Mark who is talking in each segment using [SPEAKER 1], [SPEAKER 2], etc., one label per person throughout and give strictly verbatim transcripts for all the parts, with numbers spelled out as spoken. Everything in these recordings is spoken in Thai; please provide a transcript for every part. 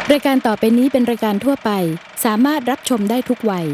[SPEAKER 1] รายการต่อไปนี้เป็นรายการทั่วไปสามารถรับชมได้ทุกวัย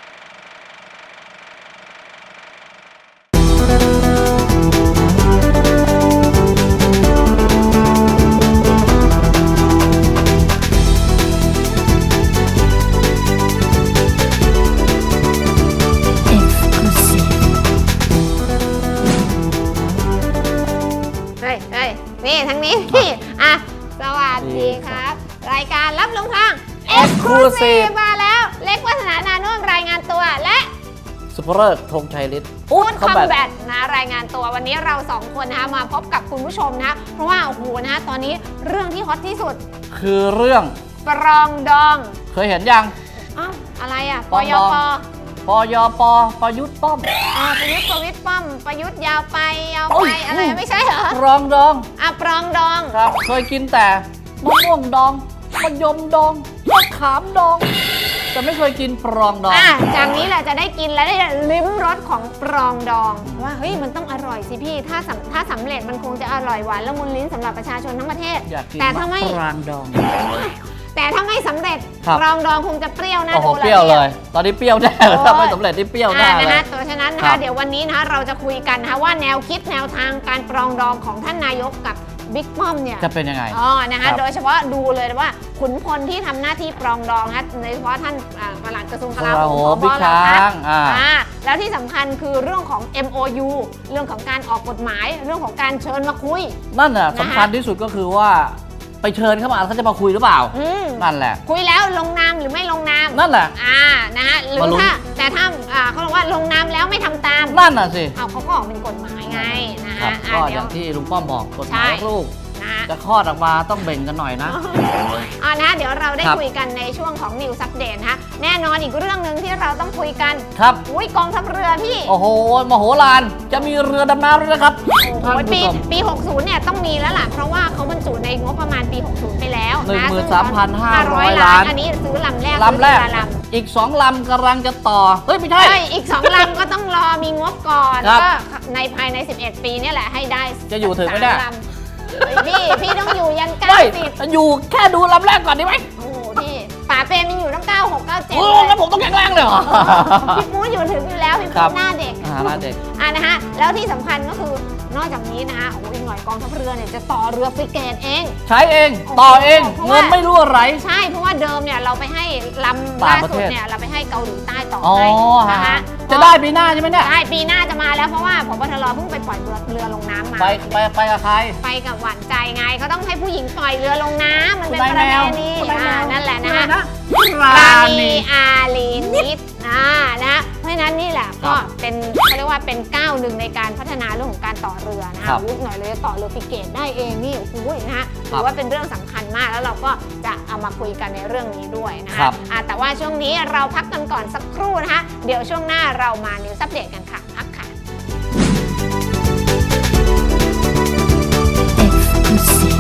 [SPEAKER 2] เฮ้ยเฮ้ยนี่ทั้งนี้พี่อ่ะสวัสดีครับ รายการรับลงทาง Exclusive มาแล้ว เล็กวัฒนานานุ่มรายงานตัวและ
[SPEAKER 3] สุภเริศธงชัยฤทธิ์
[SPEAKER 2] พูดคอมแบทนะรายงานตัววันนี้เราสองคนนะคะมาพบกับคุณผู้ชมนะเพราะว่าโอ้โหนะตอนนี้เรื่องที่ฮอตที่สุด
[SPEAKER 3] คือเรื่อง
[SPEAKER 2] ปรองดอง
[SPEAKER 3] เคยเห็นยัง
[SPEAKER 2] อ้าวอะไรอ่ะ
[SPEAKER 3] ป
[SPEAKER 2] ป
[SPEAKER 3] รอง
[SPEAKER 2] ย
[SPEAKER 3] ดอง
[SPEAKER 2] ป
[SPEAKER 3] ปยปประยุทธ์ป้อม
[SPEAKER 2] อ่าประยุทธ์ประวิตรป้อมประยุทธ์ยาวไปยาว
[SPEAKER 3] โอ้
[SPEAKER 2] ไป
[SPEAKER 3] ย
[SPEAKER 2] อะไรไม่ใช่เหรอ
[SPEAKER 3] รองดอง
[SPEAKER 2] อ่ะปรองดอง
[SPEAKER 3] ครับ เคยกินแต่มะม่วงดองมะยมดองมะขามดอง แต่ไม่เคยกินปรองดอง
[SPEAKER 2] อ่ะจากนี้แหละจะได้กินและได้ลิ้มรสของปรองดองว่าเฮ้ยมันต้องอร่อยสิพี่ถ้าสำถ้าสำเร็จมันคงจะอร่อยหวานละมุนลิ้นสำหรับประชาชนทั้งประเทศ
[SPEAKER 3] อยากกิน
[SPEAKER 2] แต่ถ้าไม่
[SPEAKER 3] มะปรางดอง
[SPEAKER 2] แต่ถ้าไม่สำเร็จ
[SPEAKER 3] ครับ
[SPEAKER 2] ปรองดองคงจะเปรี้ยวน่า
[SPEAKER 3] โอ้โห
[SPEAKER 2] ดู
[SPEAKER 3] เปรี้ยวเลย ตอนนี้เปรี้ยวแน่เลย
[SPEAKER 2] โอ้ย
[SPEAKER 3] ถ้าไม่สำเร็จนี่เปรี้ยวแน่
[SPEAKER 2] อ่า
[SPEAKER 3] เล
[SPEAKER 2] นะ
[SPEAKER 3] ย
[SPEAKER 2] คะตัวฉะนั้นนะ
[SPEAKER 3] ครั
[SPEAKER 2] คะ
[SPEAKER 3] บ
[SPEAKER 2] เดี๋ยววันนี้นะคะเราจะคุยกันนะคะว่าแนวคิดแนวทางการปรองดองของท่านนายกกับบิ๊กป้อมเนี่ย
[SPEAKER 3] จะเป็นยังไง
[SPEAKER 2] อ๋อ นะ
[SPEAKER 3] ครั
[SPEAKER 2] คะ
[SPEAKER 3] บ
[SPEAKER 2] โดยเฉพาะดูเลยว่าขุนพลที่ทำหน้าที่ปรองดองนะคะโดยเฉพาะท่านอ่าปลัดกระทรวงกลาโหม
[SPEAKER 3] โอ้โหบิ๊ก
[SPEAKER 2] ผบเหล่
[SPEAKER 3] ช้าง
[SPEAKER 2] ทัพ
[SPEAKER 3] อ่า
[SPEAKER 2] อ่าแล้วที่สำคัญคือเรื่องของ เอ็ม โอ ยู เรื่องของการออกกฎหมาย เรื่องของการเชิญมาคุย
[SPEAKER 3] นั่นน่ะ
[SPEAKER 2] นะคะ
[SPEAKER 3] สำคัญที่สุดก็คือว่าไปเชิญเข้ามาเขาจะมาคุยหรือเปล่า
[SPEAKER 2] อืม
[SPEAKER 3] นั่นแหละ
[SPEAKER 2] คุยแล้วลงนามหรือไม่ลงนาม
[SPEAKER 3] นั่นแหละ
[SPEAKER 2] อ่า นะฮะหรือ
[SPEAKER 3] มาลุ้น
[SPEAKER 2] ถ้าแต่ถ้าอ่าเขาบอกว่าลงนามแล้วไม่ทำตาม
[SPEAKER 3] นั่นน่ะสิ
[SPEAKER 2] เอาเขาก็ออกเป็นกฎหมายไงนะ
[SPEAKER 3] ครั
[SPEAKER 2] ฮะ
[SPEAKER 3] บ
[SPEAKER 2] อ่า
[SPEAKER 3] ก็อ
[SPEAKER 2] เดี๋ยว
[SPEAKER 3] ย่างที่ลุงป้อมบอกกฎหมาย
[SPEAKER 2] ใช่
[SPEAKER 3] ลูก
[SPEAKER 2] นะฮะ
[SPEAKER 3] จะคลอดออกมาต้องเบ่งกันหน่อยนะ
[SPEAKER 2] อ่านะเดี๋ยวเราได้
[SPEAKER 3] ครับ
[SPEAKER 2] คุยกันในช่วงของ News Update นะคะแน่นอนอีกเรื่องหนึ่งที่เราต้องคุยกัน
[SPEAKER 3] ครับ
[SPEAKER 2] อุ้ยกองทัพเรือพี่
[SPEAKER 3] โอ้โหมโหฬารจะมีเรือดำน้ำด้วยนะครับ
[SPEAKER 2] โอ้โห
[SPEAKER 3] ท่านผู้
[SPEAKER 2] ปี
[SPEAKER 3] ชม
[SPEAKER 2] ปี หกสิบ เนี่ยต้องมีแล้วล่ะ เพราะว่าเขาบรรจุในงบประมาณปี หกสิบ ไปแล้ว
[SPEAKER 3] หนึ่ง
[SPEAKER 2] นะ
[SPEAKER 3] หมื่นสามพันห้าร้อย
[SPEAKER 2] 500
[SPEAKER 3] ล้าน
[SPEAKER 2] อันนี้ซื้อลำแรก
[SPEAKER 3] ลำแรก
[SPEAKER 2] ซื้อเอล
[SPEAKER 3] อีกสองลำกำลังจะต่อ เฮ้ย ไม่ใช่
[SPEAKER 2] ใช่อีก สอง ลำก็ต้องรอมีงบก่อน
[SPEAKER 3] ครับ
[SPEAKER 2] ก็ในภายใน สิบเอ็ด ปีเนี่ยแหละให้ได้
[SPEAKER 3] จะอยู่ถึงไหมเนี่ย
[SPEAKER 2] สาลำเฮ้ยพี่ พี่ต้องอยู่ยัน
[SPEAKER 3] ไม่
[SPEAKER 2] เก้าสิบ
[SPEAKER 3] อยู่แค่ดูลำแรกก่อนได้ไหม
[SPEAKER 2] โอ้โหพี่ป๋าเปรมยังอยู่ตั้งเก้าหก เก้าเจ็ด
[SPEAKER 3] โอ้
[SPEAKER 2] เลย
[SPEAKER 3] งั้นผมต้องแข็งแรงเลยเหรอ
[SPEAKER 2] พี่ปูอยู่ถึงอยู่แล้วพี่
[SPEAKER 3] ครั
[SPEAKER 2] ปู
[SPEAKER 3] บ
[SPEAKER 2] หน้าเด็ก
[SPEAKER 3] อ่าหน้าเด็ก
[SPEAKER 2] อ่านะฮะแล้วที่สำคัญก็คือนอกจากนี้นะฮะโอ้โหอีกหน่อยกองทัพเรือเนี่ยจะต่อเรือฟริเกตเอง
[SPEAKER 3] ใช้เอง ต่อเอง
[SPEAKER 2] เพราะว่า
[SPEAKER 3] เงินไม่รั่วไหล
[SPEAKER 2] ใช่เพราะว่าเดิมเนี่ยเราไปให้ลำ
[SPEAKER 3] ต่า
[SPEAKER 2] ล่าง
[SPEAKER 3] ประ
[SPEAKER 2] สุ
[SPEAKER 3] เท
[SPEAKER 2] ด
[SPEAKER 3] ศ
[SPEAKER 2] เนี่ยเราไปให้เกาหลีใต้ต่อ
[SPEAKER 3] อ๋อ
[SPEAKER 2] ให้นะ
[SPEAKER 3] ฮะ
[SPEAKER 2] คะ
[SPEAKER 3] จะได้ปีหน้าใช่ไหมเนี่ย
[SPEAKER 2] ได้ปีหน้าจะมาแล้วเพราะว่าผบทรเพิ่งไปปล่อยเรือเรือลงน้ำมา
[SPEAKER 3] ไปไปไปกับใคร
[SPEAKER 2] ไปกับหวานใจไงเขาต้องให้ผู้หญิงปล่อยเรือลงน้ำมันเป็น
[SPEAKER 3] คุ
[SPEAKER 2] ป
[SPEAKER 3] ณ
[SPEAKER 2] ระ
[SPEAKER 3] นาย
[SPEAKER 2] เพ
[SPEAKER 3] แมว
[SPEAKER 2] ณี
[SPEAKER 3] คุณนายแมว
[SPEAKER 2] อ่านั่นแหละนะฮะ
[SPEAKER 3] รา
[SPEAKER 2] รา
[SPEAKER 3] ณี
[SPEAKER 2] ณีอาลีนิดอ่านะเพราะฉะนั้นนี่แหละ
[SPEAKER 3] ครั
[SPEAKER 2] ก็
[SPEAKER 3] บ
[SPEAKER 2] เป็นเขาเรียกว่าเป็นก้าวหนึ่งในการพัฒนาเรื่องของการต่อเรือนะ
[SPEAKER 3] ครั
[SPEAKER 2] คะ
[SPEAKER 3] บ
[SPEAKER 2] วุฒิหน่อยเลยต่อเรือฟริเกตได้เองนี่โอ้โหนะฮะ
[SPEAKER 3] ครั
[SPEAKER 2] ถื
[SPEAKER 3] บ
[SPEAKER 2] อว่าเป็นเรื่องสำคัญมากแล้วเราก็จะเอามาคุยกันในเรื่องนี้ด้วยนะ
[SPEAKER 3] ครั
[SPEAKER 2] คะ
[SPEAKER 3] บ
[SPEAKER 2] อ่าแต่ว่าช่วงนี้เราพักกันก่อนสักครู่นะคะเดี๋ยวช่วงหน้าเรามานิวซัปเดตกันค่ะพักค่ะ
[SPEAKER 1] Exclusive